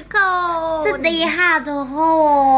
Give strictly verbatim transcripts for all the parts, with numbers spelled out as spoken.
คนสวัสดีค่ะทุกคน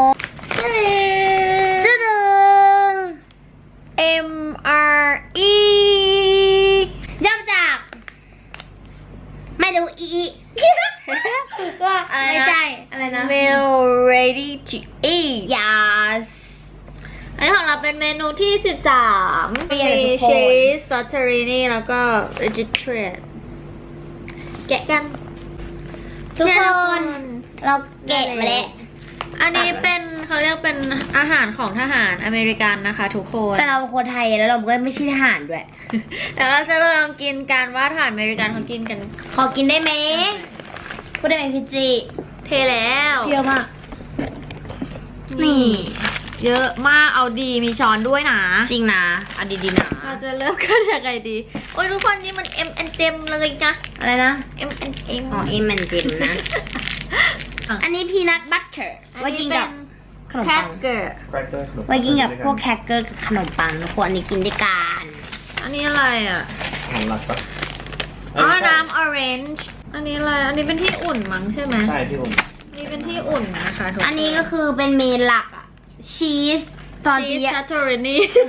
จะดึง M R E ย่อมาจาก ไม่ดูอีว่าอะไรนะไม่ใช่อะไรนะ Well ready to eat yes อันนี้ของเราเป็นเมนูที่สิบสามเป็นมีไงทุกคนชีสซอสเทอรินีแล้วก็ vegetarian แกะกันทุกแคน เราแกะมาแล้วอันนี้เป็นเขาเรียกเป็นอาหารของทหารอเมริกันนะคะทุกคนแต่เราเป็นคนไทยแล้วเราก็ไม่ใช่ทหารด้วยแต่เราจะลองกินกันว่าทหารอเมริกันเขากินกันขอกินได้ไหมพูดได้ไหมพี่จีเทแล้วเยอะมากนี่ เยอะมากเอาดีมีช้อนด้วยนะจริงนะเอาดีๆนะเราจะเริ่มกันยังไงดี โอ้ยทุกคนนี่มัน M and M เลยนะอะไรนะ M and M อ๋อเอมันเต็มนะ อันนี้พีนัทบัตเตอร์ไว้กินกับขนมแคปัคงเกอร์ไว้กินกับพวกแครกเกอร์กับขนมปังทุกคนอันนี้กินด้วยกันอันนี้อะไรอ่ะอาหารหลักปะอ๋อ น้ำออเรนจ์ อันนี้อะไร อันนี้เป็นที่อุ่นมั้งใช่ไหมใช่ที่ผมนี่เป็นที่อุ่นนะคะทุกคนอันนี้ก็คือเป็นเมนหลักอะชีสตอนชีเดีสยซาโตรินี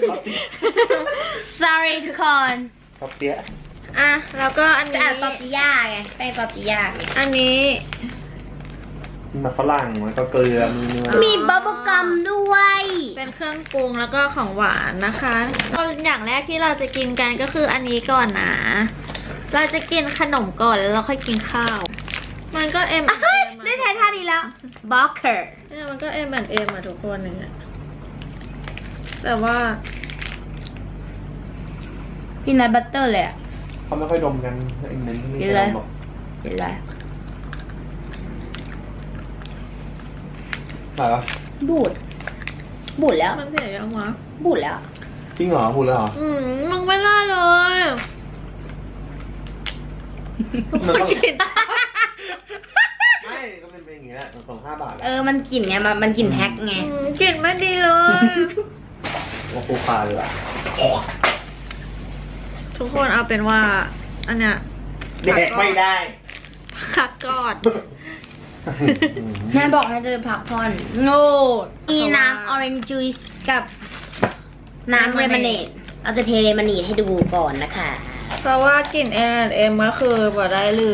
sorry ทุกคนชอบเตี้ยอ่ะ แล้วก็อันจะนี้อ่านตอติย่าไงแป้งตอติย่าไงอันนี้มีมาฝรั่งมันก็เกลือมีเนื้อมีบับเบิ้ลกัมด้วยเป็นเครื่องปรุงแล้วก็ของหวานนะคะก็อย่างแรกที่เราจะกินกันก็คืออันนี้ก่อนนะ เราจะกินขนมก่อนแล้วเราค่อยกินข้าว มันก็ M เฮ้ยได้ทายท่านี้แล้วบ็อกเกอร์เนี่ยมันก็ M and M อะทุกคนอย่างเงี้ยแต่ว่าพีนัทบัตเตอร์เลยอะเขาไม่ค่อยดมกันไอ้เน้นที่นี่กินเลยบอกเห็นไรไหนวะบูดบูดแล้วมันเสียยังวะบูดแล้วจริงเหรอพูดแล้วเหรออืมมึงไม่ได้เลยมันต้องกินไม่ก็เป็นเป็นอย่างนี้แหละสองห้าบาทเออมันกลิ่นไงมันมันกลิ่นแพ็คไงอืมกลิ่นไม่ดีเลยว่าคูคาเลยอ่ะทุกคนเอาเป็นว่า อันเนี้ยเด็กไม่ได้พักก่อนแม่บอกให้เธอพักผ่อนโง่มีน้ำ orange juice กับน้ำ lemonade เราจะเทเลมอนนีดให้ดูก่อนนะคะเพราะว่ากลิ่น M and M ก็คือบ่ได้เลย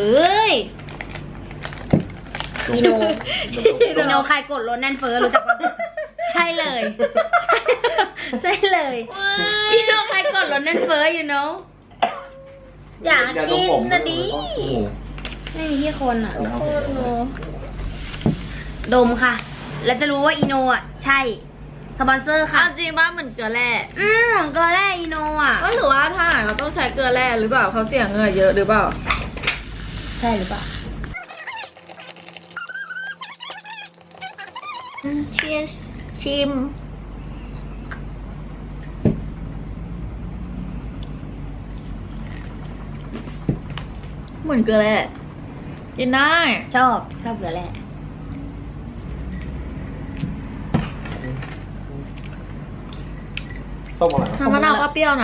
อีโน อีโนใครกดรถแน่นเฟ้อรู้จักปะใช่เลย ใช่เลยอีโนใครกดรถแน่นเฟ้อ you know อยากกินนะดิไม่มีที่คนอ่ะโคตรโนดมค่ะ แล้วจะรู้ว่าอีโนอ่ะ ใช่ สปอนเซอร์ค่ะเอาจริงว่าเหมือนเกลือแร่อืมของเกลือแร่อีโนอ่ะก็ถือว่าถ้าเราต้องใช้เกลือแร่หรือเปล่าเขาเสียเงินเยอะหรือเปล่าใช่หรือเปล่าเชียสชิม เหมือนเกลือแร่กินได้ชอบ ชอบเกลือแร่ต้มอะไรวะน้ำมะนาวก็เปรี้ยวนะ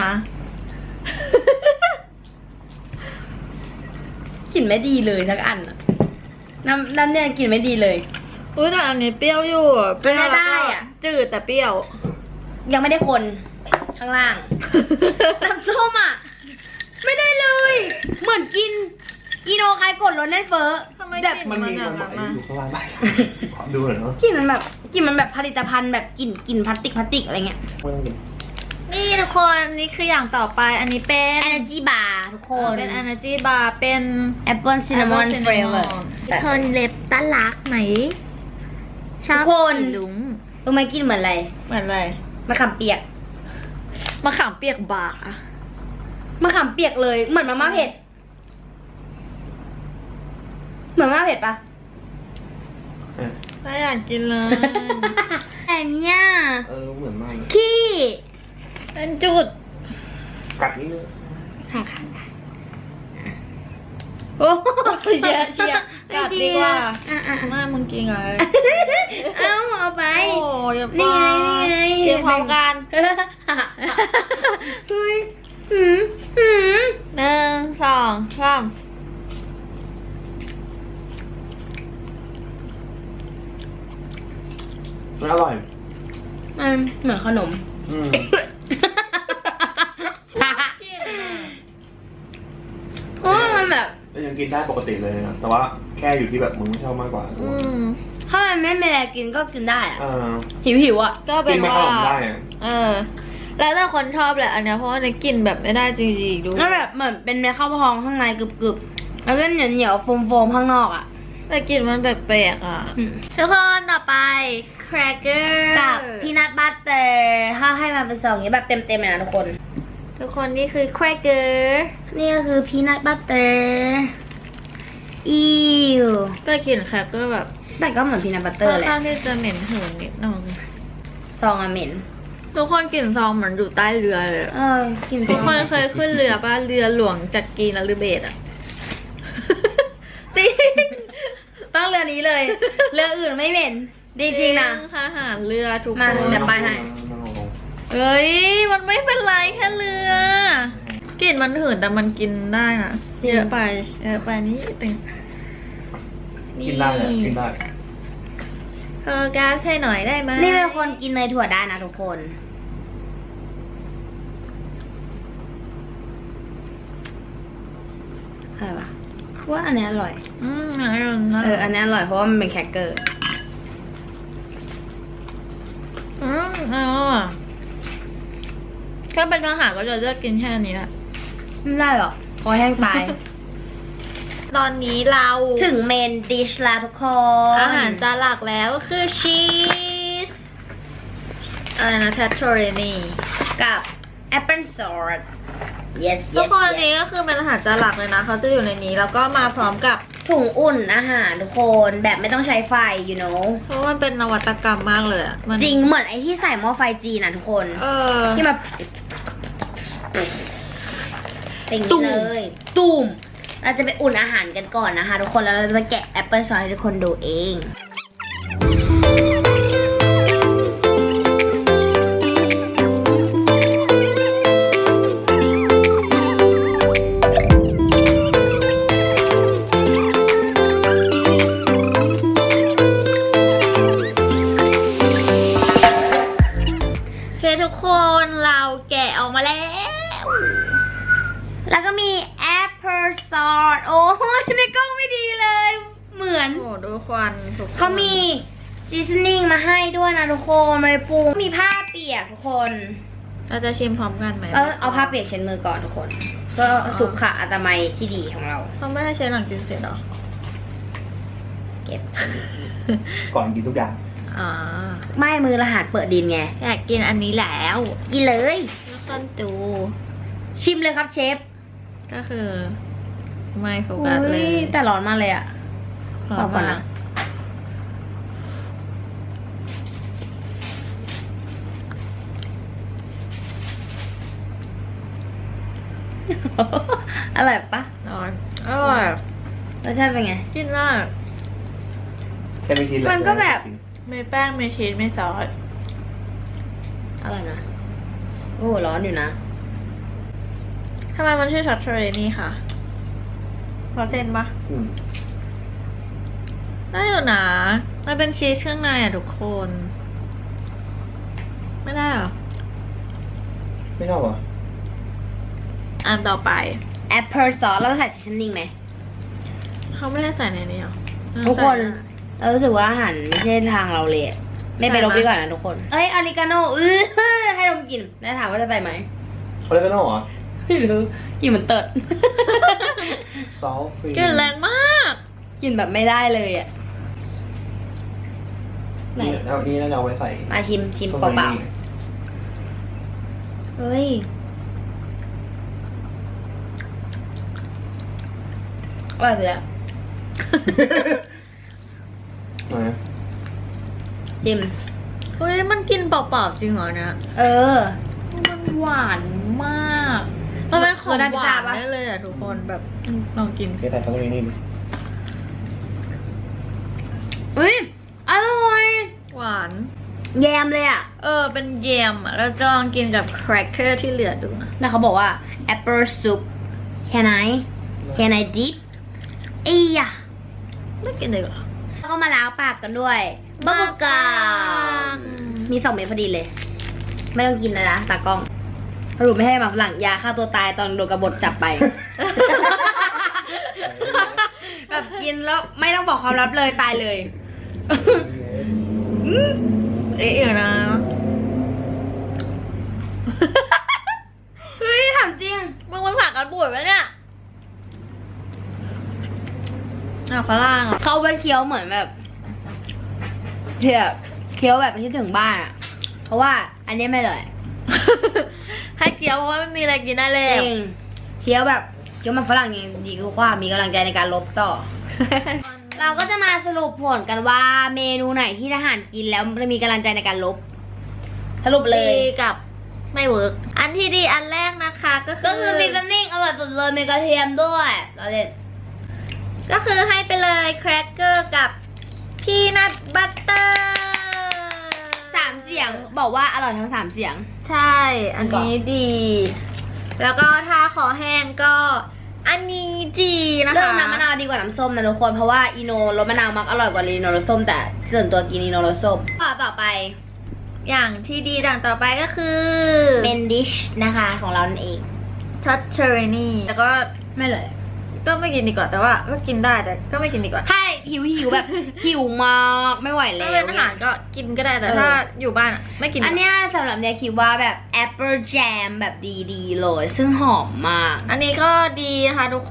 กลิ่นไม่ดีเลยสักอันอะน้ำน้ำเนี่ยกลิ่นไม่ดีเลยอุ้ยแต่อันนี้เปรี้ยวอยู่เปรี้ยวแล้วได้ก็อะจืดแต่เปรี้ยวยังไม่ได้คนข้างล่าง น้ำส้มอ่ะ ไม่ได้เลย เหมือนกิน อีโนใครกดรถแน่นเฟ้อทำไมแบบกลิ่มันมีมันมันอะบอกอยู่ข้างล่างได้ขอดูหน่อยเนาะกลิ่นมันแบบกลิ่นมันแบบผลิตภัณฑ์แบบกลิ่นกลิ่นพลาสติกพลาสติกอะไรเงี้ยไม่ต้องกินนี่ทุกคนนี่คืออย่างต่อไปอันนี้เป็น Energy Bar ทุกคนเป็น Energy Bar เป็น Apple Cinnamon Apple Flavor Cinnamon ทุกคนเล็บตาลักไหมชอบทุกคนสีลุงรู้ไหมกลิ่นเหมือนอะไรเหมือนอะไรมะขามเปียกมะขามเปียกบาร์มะขามเปียกเลย เหมือนมาม่าเผ็ด เหมือนมาม่าเผ็ดปะเออไม่อยากกินเลยแต่เนี่ยเออเหมือนมากเลยขี้เป็นจุดกัดนิดนึงค่ะค่ะโอ้เยอะเชียร์กัดดีกว่าอ่ะอ่ะหน้ามึงกินอะไรเอาเอาไปโอ้ยอย่านี่บ้าไงนี่ไงกินพร้อมกันเฮ้ยหืมหืมหนึ่งสองสามมันอร่อยมันเหมือนขนมอืมโอ้ยมันแบบแต่ยังกินได้ปกติเลยนะแต่ว่าแค่อยู่ที่แบบมึงไม่ชอบมากกว่าอืมถ้ามันไม่มีอะไรกินก็กินได้อะเออหิวหิวๆอ่ะก็เป็กินนมาขว่านมได้อะเออ แล้วแต่คนชอบแหละอันเนี้ยเพราะว่าในกลิ่นแบบไม่ได้จริงๆดูแล้วแบบเหมือนเป็นเม็ดข้าวพองข้างในกรึบๆ แล้วก็เหนียวเหนียวๆโฟมๆข้างนอกอ่ะแต่กลิ่นมันแปลกๆอ่ะอืมทุกคนต่อไป แครกเกอร์กับพีนัทบัตเตอร์ถ้าให้มาเป็นซองอย่างนี้แบบเต็มๆเลยนะทุกคนทุกคนนี่คือแครกเกอร์นี่ก็คือพีนัทบัตเตอร์อิวแต่กลิ่นแครกเกอร์แบบแต่ก็เหมือนพีนัทบัตเตอค่ร์อนแหละข้างที่จะเหม็นหืนนิดนึงซองอะเหม็นทุกคนกลิ่นซองเหมือนอยู่ใต้เรือเลยอะเออกินทุกคนเคยขึ้นเรือป่ะเรือหลวงจากกรีนหรือเบสอ่ะจริงต้องเรือนี้เลย เรืออื่นไม่เหม็นจริงๆนะทหารเรือทุกมาคนเดี๋ยวไปให้เอ้ยมันไม่เป็นไรแค่เรือกลิ่นมันหืนแต่มันกินได้นะเยอะไปเยอะไปนี่ตึงกินได้แหละกินได้เธอแก๊สให้หน่อยได้ไหมนี่เป็นคนกินเนยถั่วได้นะทุกคนอะไรวะว่าอันเนี้ยอร่อยอืมอร่อยนะเออ อันนี้อร่อยเพราะว่ามันเป็นแครกเกอร์อืมเออถ้าเป็นอาหารก็จะเลือกกินแค่นี้แหละไม่ได้หรอกคอแห้งตายตอนนี้เราถึงเมนดิชแล้วทุกคนอาหารจานหลักแล้วก็คือชีสอะไรนะแทตโทเรนีกับแอปเปิลซอส yes ทุก yes คนอัน yes นี้ก็คือเป็นอาหารจานหลักเลยนะเขาจะอยู่ในนี้แล้วก็มาพร้อมกับถุงอุ่นอาหารทุกคนแบบไม่ต้องใช้ไฟ you know เพราะว่ามันเป็นนวัตกรรมมากเลยอะมันจริงเหมือนไอที่ใส่หม้อไฟจีนนะทุกคนเออที่มาเป็นอย่างนี้เลย ตูมเราจะไปอุ่นอาหารกันก่อนนะคะทุกคนแล้วเราจะมาแกะแอปเปิลซอสให้ทุกคนดูเองโอเคทุกคนเราแกะออกมาแล้วแล้วก็มีแอปเปิลซอสโอ้ยในกล้องไม่ดีเลย เหมือนโอ้ดูควันทุกคนเขามีซีซันนิ่งมาให้ด้วยนะทุกคนมาปรุงมีผ้าเปียกทุกคนเราจะชิมพร้อมกันไหมเออเอาผ้าเปียกเช็ดมือก่อนทุกคนก็สุขอนามัยที่ดีของเราเขาไม่ได้ใช้หลังกินเสร็จหรอเก็บก่อนกินทุกอย่างอ๋อไม่มือรหัสเปิดดินไงอยากกินอันนี้แล้วกินเลยแล้วก็ดูชิมเลยครับเชฟก็คือ ไม่โฟกัสเลยแต่ร้อนมากเลยอะพร้อเอามก่อนมานะ อร่อยปะอร่อยอร่อยรสชาติเป็นไงกินได้แต่ไม่กินเลยมันก็แบบไม่แป้งไม่ชีสไม่ซอสอร่อยนะ โอ้ร้อนอยู่นะทำไมมันชื่อช็อตเทอร์เรนี่ค่ะพอเส้นปะอืมได้อยู่นะมันเป็นชีสข้างในอ่ะทุกคน ไม่ได้เหรอไม่ชอบเหรออันต่อไปแอปเปิลซอสแล้วใส่ซีซันนิ่งไหมเขาไม่ได้ใส่ในนี้หรอทุกคน เรารู้สึกว่าอาหารไม่ใช่ทางเราเลยอะไม่ไปลบดีกว่านะทุกคน เอ้ยออริกาโนอื้อให้ดมกลินแล้วถามว่าจะใส่ไหมเขาเรียกกันเหรอไม่รู้กลินเหมือนเติร์ดซอสฟรีกลิ่นแรงมากกลินแบบไม่ได้เลยอ่ะ ไหนนี่เอานี้น่าจะเอาไว้ใส่มาชิมชิมตรงเปล่านี้ๆเฮ้ยอร่อยเลยอะมาชิมเฮ้ยมันกินเปล่าๆจริงเหรอเนี่ยเออมันหวานมากมันเป็นของเราได้หพิซวาซ่าน ปะได้เลยอ่ะทุกคนแบบอืมลองกินเทใส่ตรงนี้นี่ดิเฮ้ยอร่อยหวานแยมเลยอ่ะเออเป็นเยมอ่ะเราจะลองกินกับแครกเกอร์ที่เหลือดูนะแล้วเขาบอกว่า apple soup can I can I dip เอ้ยอะไม่กินเลยเหรอแล้วก็มาล้างปากกันด้วยบับเบิ้ลกัมมีสองเม็ดพอดีเลย ไม่ต้องกินนะนะตากล้องสรุปไม่ให้แบบหลังยาฆ่าตัวตายตอนโดนกบฏจับไป แบบกินแล้วไม่ต้องบอกความลับเลยตายเลยเอ๊ะเดี๋ยวนะเฮ้ยถามจริงมึงมันผ่านการบูดไหมเนี่ยอ่ะฝรั่งอ่ะเขาไปเคี้ยวเหมือนแบบเที่ยเคี้ยวแบบที่ถึงบ้านอ่ะ เพราะว่าอันนี้ไม่เลยให้เกี๊ยวเพราะว่าไม่มีอะไรกินได้เลจยริงเคี้ยวแบบเคี้ยวมันฝรั่งยังดีกว่ามีกำลังใจในการลบต่อ เราก็จะมาสรุปผลกันว่าเมนูไหนที่ทหารกินแล้วมันมีกำลังใจในการลบ สรุปเลยดีกับไม่เวิร์กอันที่ดีอันแรกนะคะก็คือก็คือซีซันนิ่งอร่อยสุดเลยมีกระเทียมด้วยเราเล่นก็คือให้ไปเลยแครกเกอร์กับพีนัทบัตเตอร์สามเสียงบอกว่าอร่อยทั้งสามเสียงใช่ อันนี้ดี แล้วก็ถ้าขอแห้งก็อันนี้จีนะคะเลือกน้ำมะนาวดีกว่าน้ำส้มนะทุกคนเพราะว่าอีโนรสมะนาวมักอร่อยกว่าอีโนรสส้มแต่ส่วนตัวกินอีโนรสส้มต่อต่อไปอย่างที่ดีดังต่อไปก็คือเมนดิชนะคะของเรานั่นเองทัชเชอร์นี่แล้วก็ไม่เลยก็ไม่กินดีกว่าแต่ว่าก็กินได้แต่ก็ไม่กินดีกว่าถ้าหิวหิวแบบ หิวมากไม่ไหวแล้ถ้าว เป็นอาหารก็กินก็ได้แต่เออถ้าอยู่บ้านอะไม่กินดีกอัว่านเนี้ยสำหรับเนี่ยคิดว่าแบบแอปเปิลแจมแบบดีๆเลยซึ่งหอมมากอันนี้ก็ดีนะคะทุกคน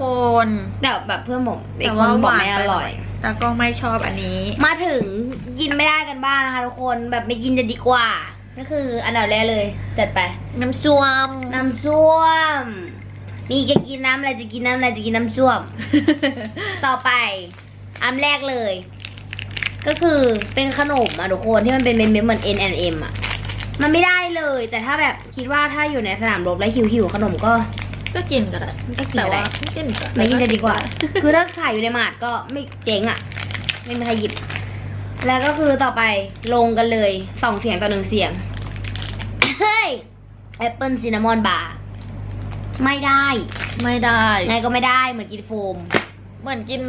แต่แบบเพื่อนผมอีแต่กคว่านบอกหวานไม่อไปหร่น่ออย ยแต่ก็ไม่ชอบอันนี้มาถึงกินไม่ได้กันบ้างนะคะทุกคนแบบไม่กินจะดีกว่าก็คืออันดับแรกเลยจัดไปน้ำส้วมน้ำส้วม มีจะกินน้ำอะไรจะกินน้ำอะไรจะกินน้ำส้วม ต่อไปอันแรกเลย ก็คือเป็นขนมอะทุกคนที่มันเป็นเม็ดๆเหมือน เอ็น แอนด์ เอ็ม อะมันไม่ได้เลย แต่ถ้าแบบคิดว่าถ้าอยู่ในสนามรบแล้วหิวๆขนมก็ก็กินก็ได้ก็กินแต่ก็ได้ว่าไม่กินดีกว่าไม่กินจะดีกว่า คือถ้าขายอยู่ในหมาดก็ไม่เจ๊งอะไม่มีใครหยิบ แล้วก็คือต่อไปลงกันเลยสองเสียงต่อหนึ่งเสียง เฮ้ยแอปเปิลซินนามอนบาร์ไม่ได้ไม่ได้ไงก็ไม่ได้เหมือนกินโฟมเหมือนกิน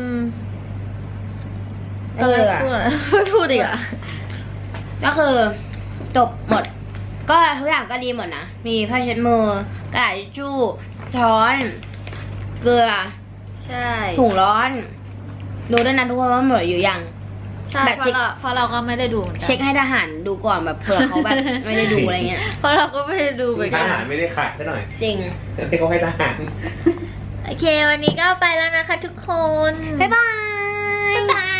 เอออะพูดอะไรไม่พูดอีกอ่ะก็คือจบหมด ก็ทุกอย่างก็ดีหมดนะ มีผ้าเช็ดมือกระดาษทิชชู่ช้อน เกลือใช่ถุงร้อน ดูด้วยนะทุกคนว่าหมดอยู่ยังใช่แบบเพเช็คราะเราเพราะเราก็ไม่ได้ดูหมือนกันเช็คให้ทหารดูก่อนแบบเผื่อเขาแบบ ไม่ได้ดูอะไรเงี้ยเพราะเราก็ไม่ได้ดูเหมือนทกันหารไม่ได้ขายซะหน่อยจริงแต่เขาให้ทหารโอเค วันนี้ก็ไปแล้วนะคะทุกคนบ๊ายบายบ๊ายบาย